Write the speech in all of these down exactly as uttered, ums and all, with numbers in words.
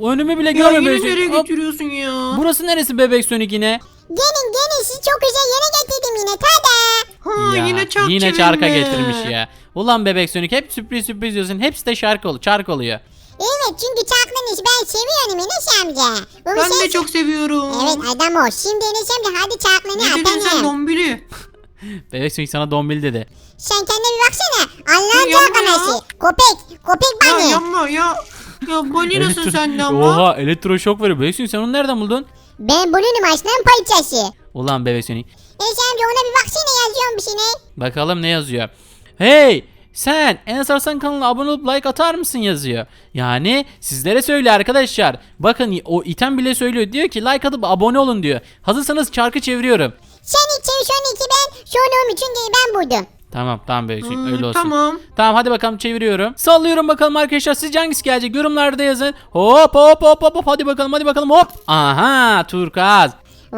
Önümü bile Ya görmüyor yine Bebek nereye Sonic. Hop. götürüyorsun ya? Burası neresi Bebek Sonic yine? Gelin gelin sizi çok güzel yere getirdim yine tada. Ha Ya, yine çark yine çevirme. çarka getirmiş ya. Ulan Bebek Sonic hep sürpriz sürpriz diyorsun. Hepsi de şarkı oluyor, çark oluyor. Evet çünkü çarkların işi ben seviyorum Enes amca. Bu bir Ben şey- de çok seviyorum. Evet adam o. Şimdi Enes amca hadi çarklarını Ne dedin sen atalım. dombili? Bebek Sonic sana dombil dedi. Sen kendine bir baksana. Allah'ın Ya yapma çark ya. anası. Köpek. Köpek Ya bani. yapma ya. Ya balinasın Elektro- sen de ama. Oha elektroşok veriyor. Bebek Sonic sen onu nereden buldun? Ben bunun aslan parçası. Ulan Bebek Sonic. Enes amca ona bir baksana yazıyorum bir şey ne? Bakalım ne yazıyor. Hey sen Enes Arslan kanalına abone olup like atar mısın yazıyor. Yani sizlere söyle arkadaşlar. Bakın o item bile söylüyor. Diyor ki like atıp abone olun diyor. Hazırsanız çarkı çeviriyorum. Sen iki son iki ben sonra için ben buldum. Tamam tamam Bebek Sonic Hmm, öyle olsun. Tamam. Tamam hadi bakalım çeviriyorum. Sallıyorum bakalım arkadaşlar. Sizce hangisi gelecek? Yorumlarda yazın. Hop hop hop hop hop. Hadi bakalım hadi bakalım hop. Aha turkuaz.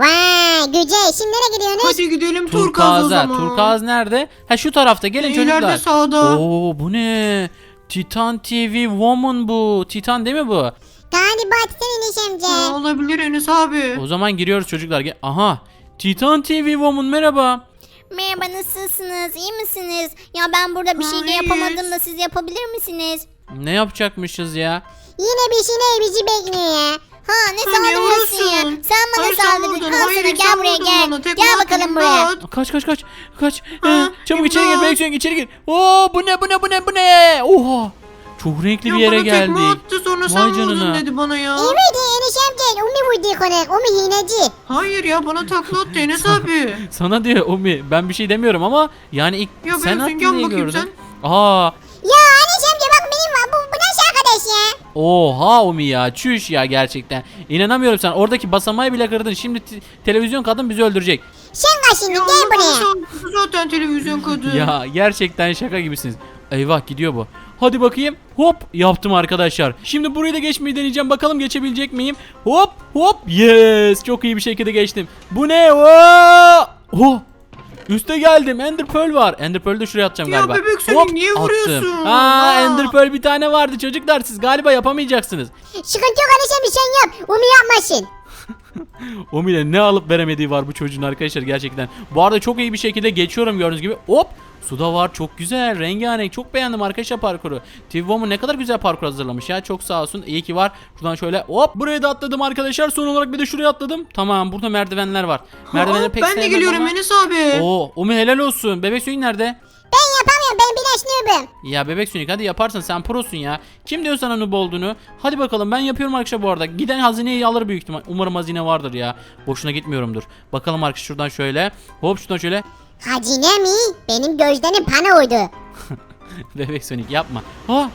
Vay güzel. Şimdi nereye gidiyorsunuz? Hadi gidelim turkuaz o Turkuaz'a. zaman. Turkuaz nerede? Ha şu tarafta gelin çocuklar. İleride sağda. Oo bu ne? Titan T V Woman bu. Titan değil mi bu? Galiba Titan Enes amca. Ha, olabilir Enes abi. O zaman giriyoruz çocuklar. Gel- Aha. Titan T V Woman merhaba. Merhaba nasılsınız? İyi misiniz? Ya ben burada bir şey Hayır. yapamadım da siz yapabilir misiniz? Ne yapacakmışız ya? Yine bir şey ne bizi bekliyor ya. Ha ne Ha, niye saldırıyorsun ya? vurursun? Sen bana Hayır, sen saldırdın. vurdun. Al Hayır, sana sen gel buraya vurdun gel. bana. Tek Gel attın, bakalım buraya. imdat. Kaç kaç kaç. Kaç. Ha, Ee, çabuk içeri gir. imdat. Bebek Sonic içeri gir. Oo bu ne bu ne bu ne bu ne? Oha. Çok renkli Ya bir yere bana tekme geldik. attı sonra Vay sen canına. vurdun dedi bana ya. Evet Enes amca. O mu vurdu konak? O mu hineci? Hayır ya bana takla attı Enes abi. Sana diyor Umi. Ben bir şey demiyorum ama yani ilk Ya sen ben attın gel diye bakayım gördüm. Aa. Ya Enes amca bak benim var. Bu, bu nasıl arkadaş ya? Oha Umi ya. Çüş ya gerçekten. İnanamıyorum sen. Oradaki basamağı bile kırdın. Şimdi t- televizyon kadın bizi öldürecek. Sen kaç şimdi Ya gel Allah bana buraya. saldırdı zaten televizyon kadın. Ya gerçekten şaka gibisiniz. Eyvah gidiyor bu. Hadi bakayım. Hop yaptım arkadaşlar. Şimdi burayı da geçmeyi deneyeceğim. Bakalım geçebilecek miyim? Hop hop. Yes. Çok iyi bir şekilde geçtim. Bu ne? Oo! Oh. Üste geldim. Ender Pearl var. Ender Pearl'ü de şuraya atacağım Ya galiba. bebek Sonic niye attım. vuruyorsun? Aa, Aa. Ender Pearl bir tane vardı çocuklar. Siz galiba yapamayacaksınız. Sıkıntı yok Enes amca sen yap. Onu yapmasın. Omi'yle ne alıp veremediği var bu çocuğun arkadaşlar gerçekten. Bu arada çok iyi bir şekilde geçiyorum gördüğünüz gibi. Hop. Suda var çok güzel rengarenk çok beğendim arkadaşlar parkuru. T V Woman ne kadar güzel parkur hazırlamış ya çok sağ olsun iyi ki var. Şuradan şöyle hop buraya da atladım arkadaşlar son olarak bir de şuraya atladım. Tamam burada merdivenler var. Merdivenleri Aa, pek ben de sevmem geliyorum ama- Enes abi. Oo Omi helal olsun. Bebek Sonic nerede? Ben yapamıyorum. Ben biraz noobum. Ya Bebek Sonic hadi yaparsın sen prosun ya. Kim diyor sana noob olduğunu? Hadi bakalım ben yapıyorum arkadaşlar bu arada. Giden hazineyi alır büyük ihtimal. Umarım hazine vardır ya. Boşuna gitmiyorumdur. Bakalım arkadaşlar şuradan şöyle. Hop şuradan şöyle. Hacine mi? Benim gözlerim pana uydu. Bebek Sonic yapma. Ha.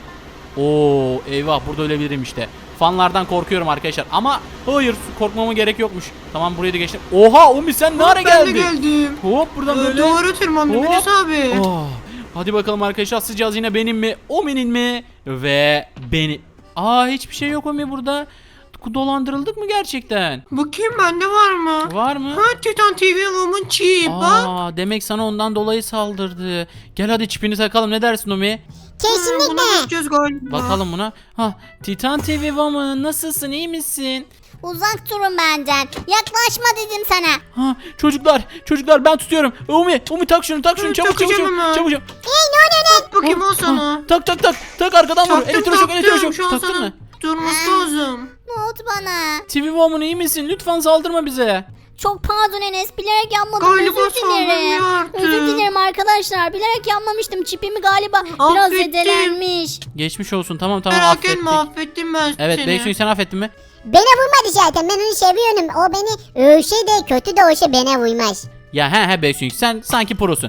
Oo eyvah burada ölebilirim işte. Fanlardan korkuyorum arkadaşlar ama hayır korkmama gerek yokmuş. Tamam burayı da geçtim. Oha Umi sen ne ara Ben de geldin? geldim. Hop buradan Ee, böyle. Doğru tırmandım Hop. Enes abi. Oh. Hadi bakalım arkadaşlar sıcağız yine benim mi? Omi'nin mi? Ve beni. Aa hiçbir şey yok Omi burada. Dolandırıldık mı gerçekten? Bakayım bende var mı? Var mı? Ha Titan T V Woman çip bak. Aa demek sana ondan dolayı saldırdı. Gel hadi çipini takalım ne dersin Omi? Buna Kesinlikle. bakacağız galiba. Bakalım buna. Ha Titan T V Woman nasılsın iyi misin? Uzak durun benden. Yaklaşma dedim sana. Ha çocuklar çocuklar ben tutuyorum. Umi Umi tak şunu tak şunu Hı, çabuk çabuk takacağım çabuk hemen. çabuk çabuk. Hey ne oluyor lan? Bakayım al sana. Ha, tak tak tak tak arkadan vur. Taktım Elektroşok taktım. elektroşok. Şu an Taktın sana mı? durması lazım. Ne oldu bana? T V Woman iyi misin? Lütfen saldırma bize. Çok pardon Enes. Bilerek yapmadım. Galiba Özür dilerim. saldırmıyor artık. Özür dilerim arkadaşlar. Bilerek yapmamıştım. Çipimi galiba biraz Affettim. zedelenmiş. Geçmiş olsun tamam tamam Merak affettik. etme affettim ben Evet seni. Beysun sen affettin mi? Bana vurmadı zaten. Ben onu seviyorum. O beni ölse de kötü de olsa bana vurmaz. Ya he he Beysun sen sanki prosun.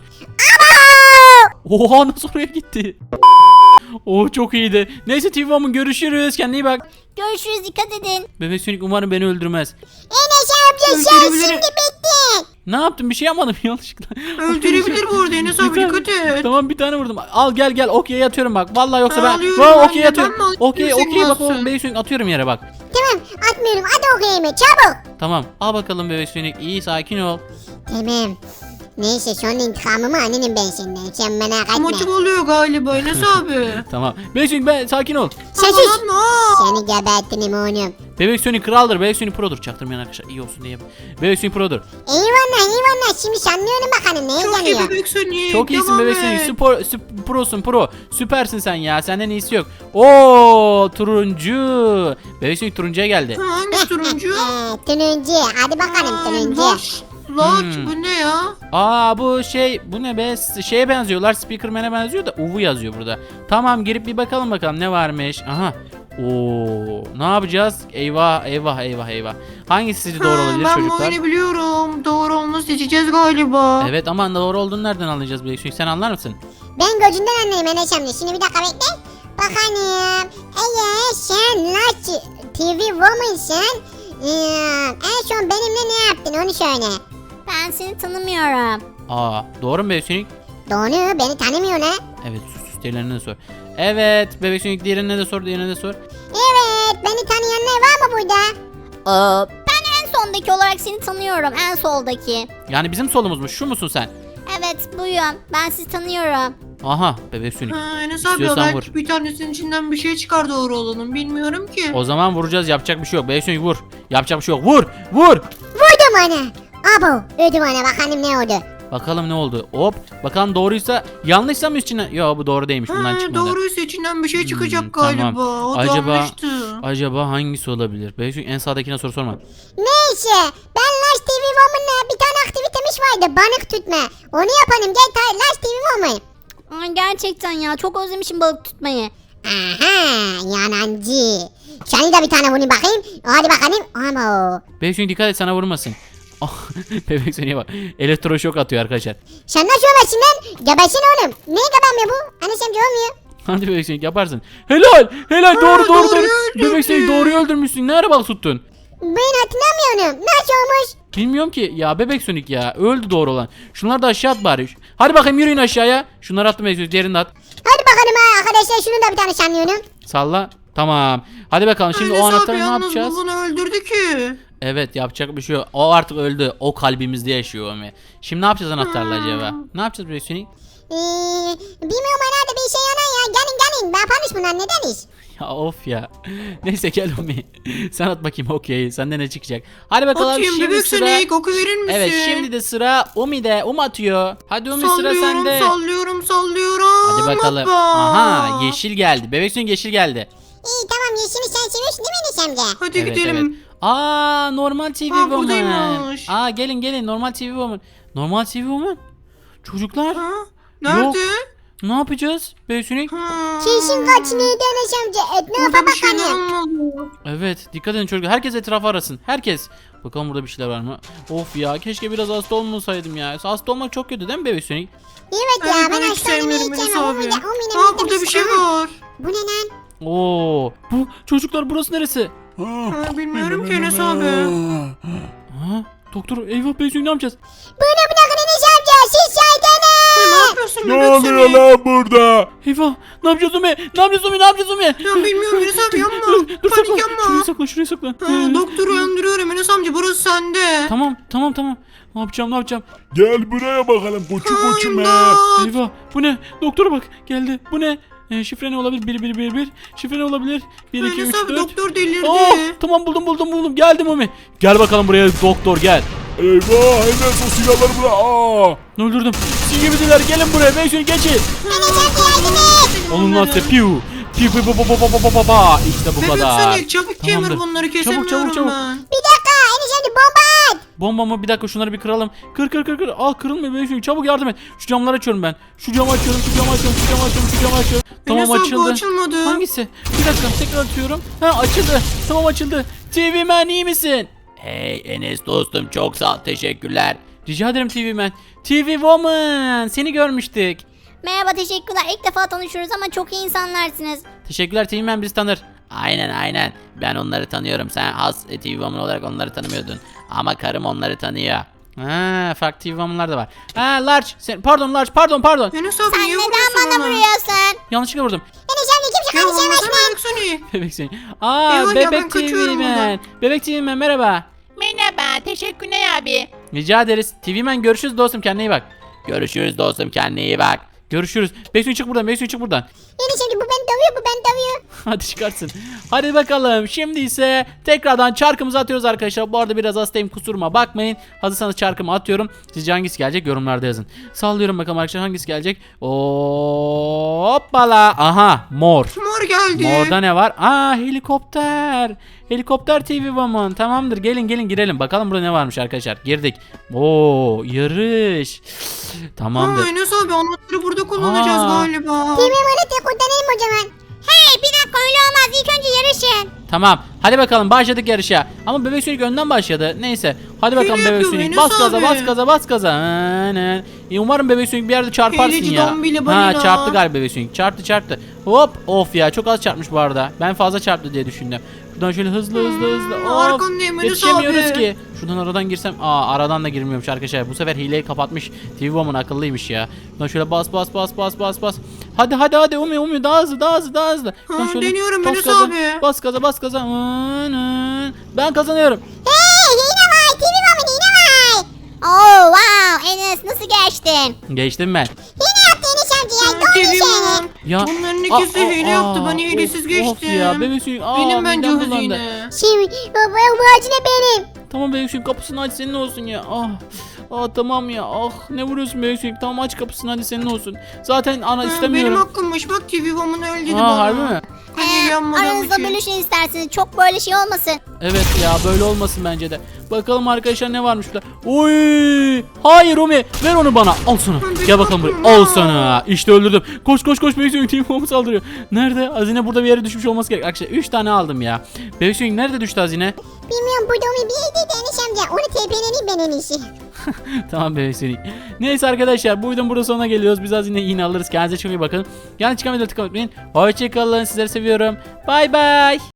Aa! Oha nasıl oraya gitti? Oh çok iyiydi. Neyse T V Woman görüşürüz. Kendine iyi bak. Görüşürüz. Dikkat edin. Bebek Sonic umarım beni öldürmez. Enes amca sen Öldürebilir. şimdi bittin. Ne yaptım bir şey yapmadım yanlışlıkla. Öldürebilir bu arada Enes abi Bir tane- dikkat et. Tamam bir tane vurdum. Al gel gel okey atıyorum bak. Vallahi yoksa Ben ben. alıyorum Vay, ben okey de, atıyorum. ben mi alayım, Okey yüksek okey bak o bassın. Bebek Sonic atıyorum yere bak. Tamam atmıyorum. Hadi okuyayım çabuk. Tamam al bakalım Bebek Sonic iyi sakin ol. Tamam. Neyse sonra intikamımı annenim ben senden. Sen merak etme. Maçım oluyor galiba Enes abi. Tamam. Bebek Sonic ben sakin ol. Sen Aman sus. Aa! Seni gebertirim oğlum. Bebek Sonic kraldır. Bebek Sonic produr. Çaktırmayan arkadaşlar iyi olsun diye. Bebek Sonic produr. Eyvallah eyvallah. Şimdi sanıyorum bakalım neye Çok iyi geliyor. bebek Sonic. Çok iyisin devam Bebek et. Sonic. Spor, süp- prosun pro. Süpersin sen ya. Senden iyisi yok. Oo turuncu. Bebek Sonic turuncuya geldi. Ha, hangi turuncu? Ee, turuncu. Hadi bakalım Aa, turuncu. Laç. Laç Hmm. bu ne ya? Aa bu şey bu ne be S- şeye benziyorlar Speakerman'e benziyor da Uvu yazıyor burada. Tamam girip bir bakalım bakalım ne varmış. Aha. Oo ne yapacağız? Eyvah eyvah eyvah eyvah. Hangisi sizce doğru Ha, olabilir ben bu çocuklar? oyunu biliyorum. Doğru olanı seçeceğiz galiba. Evet ama doğru olduğunu nereden anlayacağız Bebek Sonic sen anlar mısın? Ben gözünden anlayayım Enes amca. Şimdi bir dakika bekle. Bakalım. Eğer sen Laç T V Woman'sın. Ee, en son benimle ne yaptın onu söyle. Ben seni tanımıyorum. Aa doğru mu Bebek Sonic? Doğru beni tanımıyor ne? Evet sus sus diğerlerine de sor. Evet Bebek Sonic diğerine de sor diğerine de sor. Evet beni tanıyanlar var mı burada? Aa, ben en sondaki olarak seni tanıyorum. En soldaki. Yani bizim solumuzmuş şu musun sen? Evet buyum. Ben sizi tanıyorum. Aha Bebek Sonic. Ha, Enes abi İstiyorsan belki vur. bir tanesinin içinden bir şey çıkar doğru olanın. Bilmiyorum ki. O zaman vuracağız yapacak bir şey yok. Bebek Sonic vur. Yapacak bir şey yok. Vur vur. Vurdum ana. Abo ödüm ana bakalım ne oldu. Bakalım ne oldu? Hop. Bakalım doğruysa yanlışsa mı içinden? Yo bu doğru değilmiş. Bundan Ha, çıkmadı. doğruysa içinden bir şey çıkacak Hmm, galiba. tamam. O Acaba- yanlıştı. Acaba hangisi olabilir? Bebek Sonic en sağdakine soru sorma. Neyse ben Laç T V Woman'la bir tane aktivitemiz vardı balık tutma. Onu yapalım gel ta Laç T V Woman. Aa, gerçekten ya çok özlemişim balık tutmayı. Aha yanancı. Seni de bir tane vurayım bakayım. Hadi bakalım. Abo. Bebek Sonic dikkat et sana vurmasın. Oh, Bebek Sonic'e bak. Elektroşok atıyor arkadaşlar. Sen nasıl ömersin lan? Gebersin oğlum. Niye gebermiyor bu? Anne sen olmuyor. Hadi Bebek Sonic yaparsın. Helal. Helal doğru doğru doğru. doğruyu Bebek Sonic öldürdü. doğruyu öldürmüşsün. Ne ara balık tuttun? Ben hatırlamıyorum. Nasıl olmuş? Bilmiyorum ki. Ya Bebek Sonic ya. Öldü doğru olan. Şunları da aşağı at bari. Hadi bakayım yürüyün aşağıya. Şunları attım Bebek Sonic. Diğerini de at. Hadi bakalım ha arkadaşlar şunu da bir tane sanıyorum. Salla. Tamam. Hadi bakalım şimdi Enes o abi anahtarı ne yalnız yapacağız? bu bunu öldürdü ki. Evet yapacak bir şey yok. O artık öldü. O kalbimizde yaşıyor Omi. Şimdi ne yapacağız anahtarla acaba? Ne yapacağız Bebek Sonic? Ee, bilmiyorum herhalde bir şey yana ya. Gelin gelin. Ben yaparmış bunlar nedeniz? Ya of ya. Neyse gel Omi. Sen at bakayım okey. Senden ne çıkacak? Hadi bakalım Atayım şimdi bebek sıra. Sonic oku verir misin? Evet şimdi de sıra Omi'de. Um atıyor. Hadi Omi sıra sallıyorum, sende. sallıyorum sallıyorum. Hadi bakalım. Hoppa. Aha yeşil geldi. Bebek Sonic yeşil geldi. İyi tamam yeşili sen seviyorsun değil mi Enes amca? Hadi Evet, gidelim. evet. Aa normal T V Aa, Woman. buradaymış. Aa gelin gelin normal T V Woman. Normal T V Woman. Çocuklar Ha? Nerede? ne yapacağız Bebek Sonic? Ha. Kesin kaç neydi Enes amca? Etrafa Burada bir şeyler bakalım. olmalı. Evet dikkat edin çocuklar. Herkes etrafı arasın. Herkes. Bakalım burada bir şeyler var mı? Of ya keşke biraz hasta olmasaydım ya. Hasta olmak çok kötü değil mi Bebek Sonic? Evet ya Evet, ben ben hiç hastaneye sevmiyorum Enes gideceğim. O abi. mide, o mide, Aa mide burada bir şey Aa, var. Bu ne lan? Oo, bu çocuklar burası neresi? Ha, bilmiyorum ki Enes abi. Ha? Doktor eyvah Bebek Sonic ne yapacağız? Bunu bırakın Enes amca. Siz şeytanı. Ne yapıyorsun Ne bebek oluyor Sonic? lan burada? Eyvah ne yapacağız Umi? Ne yapacağız Umi? Ne yapacağız Umi? Ya bilmiyorum Enes abi yapma. Dur sakla. Panik yapma. Şurayı sakla şurayı sakla. Ha, doktoru uyandırıyorum Enes amca burası sende. Tamam tamam tamam. Ne yapacağım ne yapacağım? Gel buraya bakalım koçu koçum he. İmdat. Eyvah bu ne? Doktora bak geldi. Bu ne? E, şifre ne olabilir? bir bir bir bir. Şifre ne olabilir? bir iki üç Enes abi dört. doktor delirdi. Oh tamam buldum buldum buldum. Geldim Umi. Gel bakalım buraya doktor gel. Eyvah Enes o silahları bırak. Aa. Öldürdüm. Siz gibidiler gelin buraya. Ben şunu geçin. Enes amca yardım et. Alın lan size piu. Piu piu piu piu piu piu piu piu piu. İşte bu Bebek kadar. Sonic çabuk Tamamdır. kemir bunları kesemiyorum çabuk, çabuk. ben. Bir dakika Enes amca bomba at. Bomba mı? Bir dakika şunları bir kıralım. Kır kır kır kır. Al kırılmıyor benim çünkü. Çabuk yardım et. Şu camları açıyorum ben. Şu camı açıyorum, şu camı açıyorum, şu camı açıyorum, şu camı açıyorum. Tamam Enes abi bu açıldı. açılmadı. Hangisi? Bir dakika tekrar atıyorum. Ha açıldı. Tamam açıldı. T V Man iyi misin? Hey Enes dostum çok sağ ol. Teşekkürler. Rica ederim T V Man. T V Woman seni görmüştük. Merhaba teşekkürler. İlk defa tanışıyoruz ama çok iyi insanlarsınız. Teşekkürler T V Man bizi tanır. Aynen aynen. Ben onları tanıyorum. Sen has T V Woman olarak onları tanımıyordun. Ama karım onları tanıyor. Ha, farklı T V Woman'lar da var. Ha, Large. Sen, pardon Large. Pardon pardon. Enes abi Sen niye neden vuruyorsun bana ona? vuruyorsun? Yanlışlıkla vurdum. Enes amca kimse Ya kardeşine vurmasana başlayın. Bebek Sonic. Bebek seni. Aa Eyvah ya, ben bebek T V kaçıyorum Man. buradan. Bebek T V Man merhaba. Merhaba, Teşekkürler abi. Rica ederiz. T V Man görüşürüz dostum, kendine iyi bak. Görüşürüz dostum, kendine iyi bak. Görüşürüz. Beksun çık buradan, Beksun çık buradan. Enes amca bu beni dövüyor bu beni dövüyor. Hadi çıkarsın. Hadi bakalım. Şimdi ise tekrardan çarkımızı atıyoruz arkadaşlar. Bu arada biraz hastayım, kusuruma bakmayın. Hazırsanız çarkımı atıyorum. Sizce hangisi gelecek yorumlarda yazın. Sallıyorum bakalım arkadaşlar, hangisi gelecek. Hoppala. Aha, mor. Mor geldi. Morda ne var? Aa, helikopter. Helikopter T V Woman. Tamamdır, gelin gelin girelim. Bakalım burada ne varmış arkadaşlar. Girdik. Oo, yarış. Tamamdır. Ha, Enes abi anahtarı burada kullanacağız Aa. galiba. T V bana tek kurtarayım o zaman. Hey bir dakika öyle olmaz. İlk önce yarışın. Tamam. Hadi bakalım başladık yarışa. Ama Bebek Sonic önden başladı. Neyse. Hadi bakalım Hile Bebek yapıyor Sonic. Enes Bas gaza, abi. bas gaza, bas gaza. Aynen. E, umarım Bebek Sonic bir yerde çarparsın Hileci ya. dombili Ha, balina. çarptı galiba Bebek Sonic. Çarptı çarptı. Hop. Of ya, çok az çarpmış bu arada. Ben fazla çarptı diye düşündüm. Şuradan şöyle hızlı hızlı hızlı. Hmm, Of. arkandayım Enes Yetişemiyoruz abi. ki. Şuradan aradan girsem. Aa, aradan da girmiyormuş arkadaşlar. Bu sefer hileyi kapatmış. T V Woman akıllıymış ya. Şuradan şöyle bas bas bas bas bas bas. Hadi hadi hadi Umi Umi daha hızlı daha hızlı daha hızlı. Şuradan Ha, şöyle deniyorum bas Enes gaza, abi. Bas gaza bas gaza. Aynen. Ben kazanıyorum. Hey yine var T V Woman yine var. Oh wow Enes nasıl geçtin? Geçtim ben. Yine yaptı Enes amca ya Ha, doğru T V seni. Woman. Ya. Bunların ikisi Aa, hile aa, yaptı. Ben aa, hilesiz of, geçtim. Of ya bebek suyu. Aa, Benim bence midem bulandı. hazine. Şimdi baba bu acile benim. Tamam bebek suyu, kapısını aç, senin olsun ya. Ah. Aa, tamam ya. Ah, ne vuruyorsun bebek suyu? Tamam aç kapısını, hadi senin olsun. Zaten ana Ha, Benim istemiyorum. hakkımmış. Bak T V Woman öyle dedi Aa, bana. harbi mi? Ben Ee, hile yapmadığım aranızda için. bölüşün isterseniz. Çok böyle şey olmasın. Evet ya, böyle olmasın bence de. Bakalım arkadaşlar ne varmış burada. Oy! Hayır Umi, ver onu bana. Al sana. Ben Gel bakalım buraya. korktum Al ha. sana. İşte öldürdüm. Koş koş koş, bebek suyu team saldırıyor. Nerede? Hazine burada bir yere düşmüş olması gerek. Arkadaşlar üç tane aldım ya. Bebek suyu nerede düştü hazine? Bilmiyorum burada onu bir yerdeydi Enes amca. Onu tepeleneyim ben en iyisi. Tamam bebek Sonic. Neyse arkadaşlar, bu videonun burada sonuna geliyoruz. Biz hazine yine alırız. Kendinize çok iyi bakın. Yani çıkan videoları tıklamayı unutmayın. Hoşçakalın. Sizleri seviyorum. Bay bay.